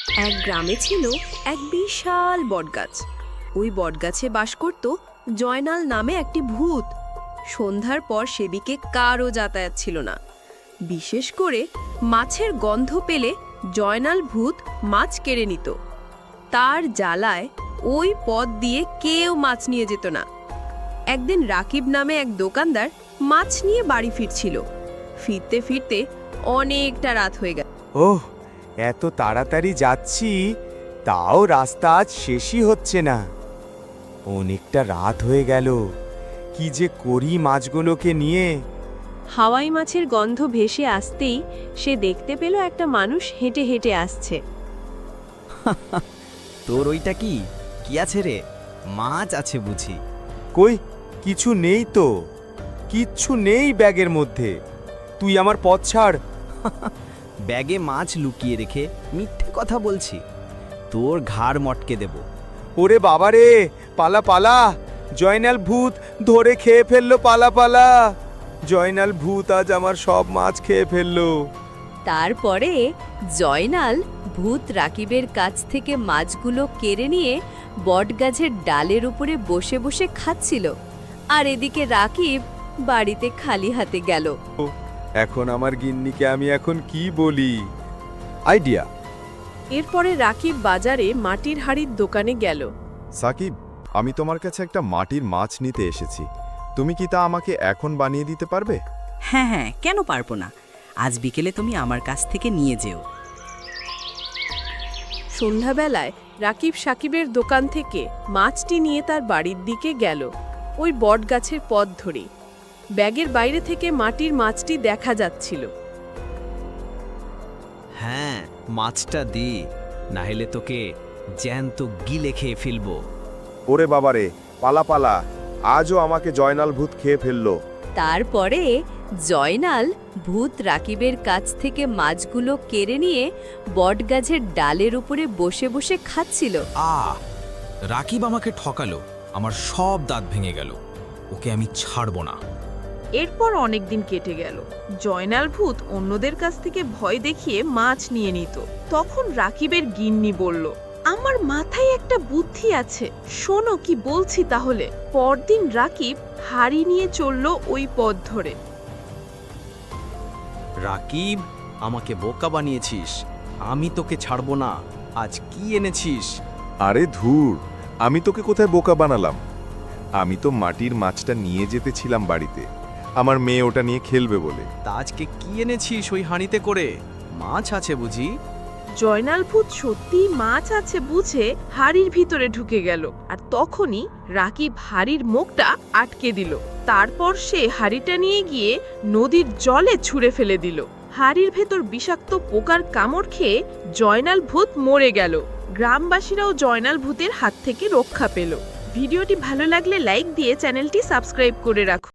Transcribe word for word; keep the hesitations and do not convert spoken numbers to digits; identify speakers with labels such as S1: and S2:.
S1: এক গ্রামে ছিল এক বিশাল বটগাছ। ওই বটগাছে বাস করত জয়নাল নামে একটি ভূত। সন্ধ্যার পর সেদিকে কারও যাতায়াত ছিল না। বিশেষ করে মাছের গন্ধ পেলে জয়নাল ভূত মাছ কেড়ে নিত। তার জ্বালায় ওই পথ দিয়ে কেউ মাছ নিয়ে যেত না। একদিন রাকিব নামে এক দোকানদার মাছ নিয়ে বাড়ি ফিরছিল। ফিরতে ফিরতে অনেকটা রাত হয়ে গেল।
S2: ওহ, এত তাড়াতাড়ি যাচ্ছি, তাও রাস্তা আজ শেষই হচ্ছে না। অনেকটা রাত হয়ে গেল, কি যে করি মাছগুলোকে নিয়ে।
S1: হাওয়াই মাছের গন্ধ ভেসে আসতেই সে দেখতে পেল একটা মানুষ হেঁটে হেঁটে আসছে।
S3: তোর ওইটা কি কি আছে রে? মাছ আছে বুঝি?
S2: কই, কিছু নেই তো, কিচ্ছু নেই ব্যাগের মধ্যে। তুই আমার পথ ছাড়।
S3: ব্যাগে মাছ লুকিয়ে রেখে মিথ্যে কথা বলছি? তোর ঘাড় মটকে দেব।
S2: ওরে বাবা রে, পালা পালা! জয়নাল ভূত ধরে খেয়ে ফেললো, পালা পালা! জয়নাল ভূত আজ আমার সব মাছ খেয়ে ফেললো।
S1: তারপরে জয়নাল ভূত রাকিবের কাছ থেকে মাছগুলো কেড়ে নিয়ে বটগাছের ডালের উপরে বসে বসে খাচ্ছিল। আর এদিকে রাকিব বাড়িতে খালি হাতে গেল।
S2: এখন আমার গিন্নিকে আমি এখন কি বলি? আইডিয়া!
S1: এরপরে রাকিব বাজারে মাটির হাড়ির দোকানে গেল।
S4: সাকিব, আমি তোমার কাছে একটা মাটির মাছ নিতে এসেছি। তুমি কি তা আমাকে এখন বানিয়ে দিতে পারবে?
S5: হ্যাঁ হ্যাঁ, কেন পারবো না। আজ বিকেলে তুমি আমার কাছ থেকে নিয়ে যেও।
S1: সন্ধ্যাবেলায় রাকিব সাকিবের দোকান থেকে মাছটি নিয়ে তার বাড়ির দিকে গেল। ওই বটগাছের পথ ধরে ব্যাগের বাইরে থেকে মাটির মাছটি দেখা যাচ্ছিল।
S3: হ্যাঁ, মাছটা দি, না হলে তোকে জ্যান্ত গিলে খেয়ে ফেলবো।
S4: ওরে বাবারে, পালা পালা! আজও আমাকে জয়নাল ভূত খেয়ে ফেললো।
S1: তারপরে জয়নাল ভূত রাকিবের কাছ থেকে মাছগুলো কেড়ে নিয়ে বটগাছের ডালের উপরে বসে বসে খাচ্ছিল।
S6: আ রাকিব আমাকে ঠকালো, আমার সব দাঁত ভেঙে গেল। ওকে আমি ছাড়বো না।
S7: এরপর অনেক দিন কেটে গেল। জয়নাল ভূত অন্যদের কাছ থেকে ভয় দেখিয়ে মাছ নিয়ে নিত। তখন রাকিবের গিন্নি বলল, আমার মাথায় একটা বুদ্ধি আছে, শোনো কি বলছি তাহলে। পরদিন রাকিব হাড়ি নিয়ে চলল ওই পথ ধরে।
S3: রাকিব, আমাকে বোকা বানিয়েছিস, আমি তোকে ছাড়বো না। আজ কি এনেছিস?
S4: আরে ধুর, আমি তোকে কোথায় বোকা বানালাম? আমি তো মাটির মাছটা নিয়ে যেতেছিলাম বাড়িতে, আমার মেয়ে ওটা নিয়ে খেলবে বলে।
S3: তা আজকে কি এনেছিস ওই হাঁড়িতে করে? মাছ আছে বুঝি?
S7: জয়নাল ভূত সত্যি মাছ আছে বুঝে হাড়ির ভিতরে ঢুকে গেল। আর তখনই রাকিব হাড়ির মুখটা আটকে দিল। তারপর সে হাড়িটা নিয়ে গিয়ে নদীর জলে ছুঁড়ে ফেলে দিল। হাড়ির ভেতর বিষাক্ত পোকার কামড় খেয়ে জয়নাল ভূত মরে গেল। গ্রামবাসীরাও জয়নাল ভূতের হাত থেকে রক্ষা পেল। ভিডিওটি ভালো লাগলে লাইক দিয়ে চ্যানেলটি সাবস্ক্রাইব করে রাখুন।